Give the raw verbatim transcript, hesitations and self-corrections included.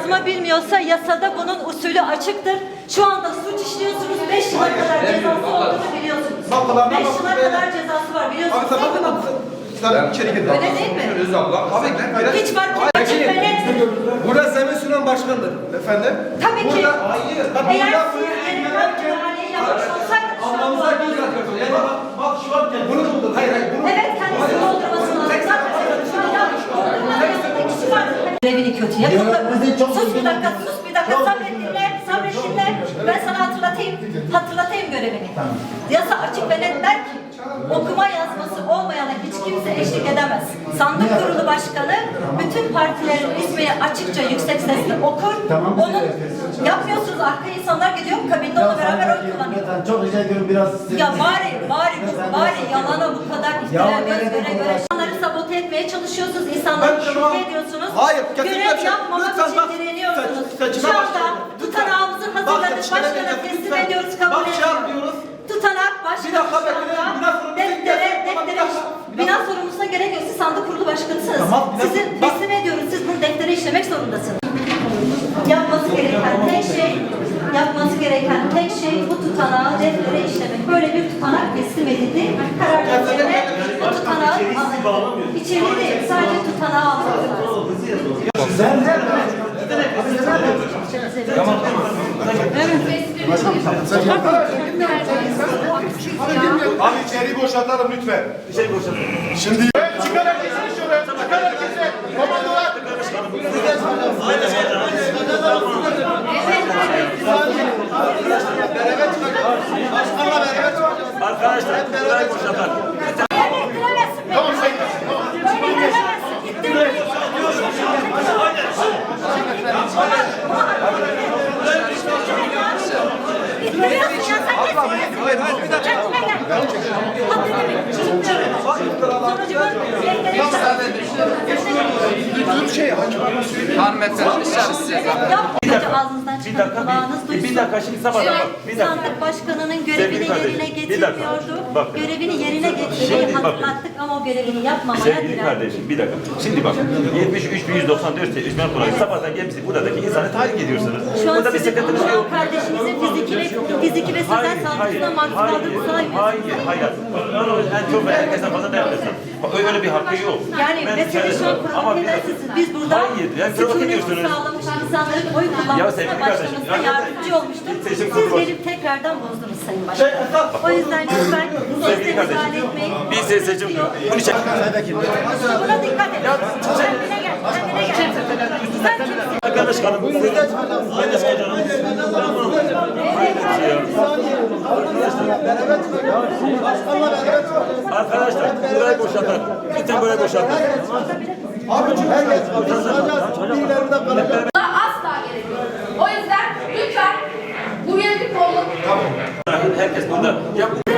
yazma bilmiyorsa yasada bunun usulü açıktır. Şu anda suç işliyorsunuz, beş yıla kadar cezası olduğunu biliyorsunuz. beş yıla kadar cezası var biliyorsunuz. Sen içeri gir. Öyle değil mi? Öz abla. Abi Hiç fark etmez. Açık ve nettir. Burada Zemin Süren Başkan'dır. Efendim? Tabii ki. Burada, hayır. Bak, Eğer burada siz bunu yeni müdahaleyi yapmış olsaydınız şu an anlamıza bu- göz atıyorsun. Yani bak, bak şu an bunu buldun. Hayır hayır. Bunu Evet, kendisi doldurması lazım. Zaten şu an yapmış doldurmanın yanında kişi var. Görevini kötü yapıyor. Sus bir dakika, sus bir dakika. Sabret dinle, sabret dinle. Ben sana hatırlatayım, hatırlatayım görevini. Yasa açık ve net der ki, okuma yazması olmayana hiç kimse eşlik edemez. Sandık kurulu başkanı bütün partilerin ismini açıkça yüksek sesle okur. Onu yapmıyorsunuz, arka insanlar gidiyor, kabinde onunla beraber oy kullanıyor. Çok rica ediyorum biraz. Ya bari, bari, bu, bari yalana bu kadar iftira göz göre göre insanları sabote etmeye çalışıyorsunuz, insanları Ben şüphe tamam. ediyorsunuz. Hayır, kesinlikle Görev şey- yapmamak lütfen için bak, direniyorsunuz. seçime Şu anda başlayalım. tutanağımızı Bak, hazırladık, seçime başkana başlayalım. teslim Lütfen. ediyoruz, kabul Bak, şey ediyoruz. yapmıyoruz. Tutanak Bir başkanı dakika şu bekleyin, anda bina sorumlusu deftere, gelsin. Tamam, bir deftere, dakika. bina sorumlusuna gerek yok. Siz sandık kurulu başkanısınız. Tamam, bir dakika. Sizin Bak. teslim ediyoruz, siz bunu deftere işlemek zorundasınız. Yapması gereken tek şey, yapması gereken tek şey bu tutanağı deftere işlemek. Böyle bir tutanak teslim edildi. Karar defterine bu tutanağı alın. İçeriği değil, sadece tutanağı almak lazım. Abi içeriği boşaltalım lütfen. İçeriği boşaltalım. Şimdi çıkar herkese şöyle. Çıkar herkese. Komandolar. Beraber çıkacağız. Başkanla beraber çıkacağız. Arkadaşlar burayı boşaltalım. Böyle ettiremezsin beni. Tamam sayın. Böyle ettiremezsin. İttirmeyin. İttiriyorsun ya sen kesin. Kendine gel. Haddini bil. Sonucu Hanımefendi dışarı size. Yapmayınca ağzınızdan Bir çıkan dakika, kulağınız bir, duysun. bir dakika şimdi sabahdan bak. Bir dakika. Sandık başkanının görevini Sevgili kardeşim, yerine bir dakika. getirmiyordu. Bakın. Görevini yerine getirmeyi Şimdi bakın. hatırlattık ama o görevini yapmamaya Sevgili direndik. kardeşim bir dakika. Şimdi bak yetmiş üç bin yüz doksan dört üstmen kurayı sabahtan gelmişsiniz. Buradaki insanı tahrik ediyorsunuz. Şu an Burada bir sizin sıkıntınız yok. kardeşinizin fiziki ve fiziki ve sözel saldırısına maruz kaldığını saymıyorsunuz. hayır, hayır. Onu en çok ve herkesten fazla derlesin. Öyle bir hakkı yok. Yani Ben mesele şu an kendisine- ama bir provoke dakika. edersiniz. Biz burada Hayır, yani provoke sükuneti ediyorsunuz. sağlamış insanların oy Ya kullanmasına sevgili kardeşim, başlamasına ya- yardımcı olmuştur. Seçim Siz kurulu- gelip tekrardan bozdunuz Sayın Başkan. O yüzden lütfen Sevgili sesle kardeşim, müsaade etmeyin. biz de seçim bunu çek. Buna dikkat et. Kendine gel. Kendine gel. Sen kimsin? Arkadaşlarım, Arkadaşlar burayı boşaltalım. Lütfen burayı boşaltalım. Abi çünkü herkes çıkacağız. Birileri de kalacak. Asla gerek yok. O yüzden lütfen bu yönetim olun. Herkes burada. Ya bu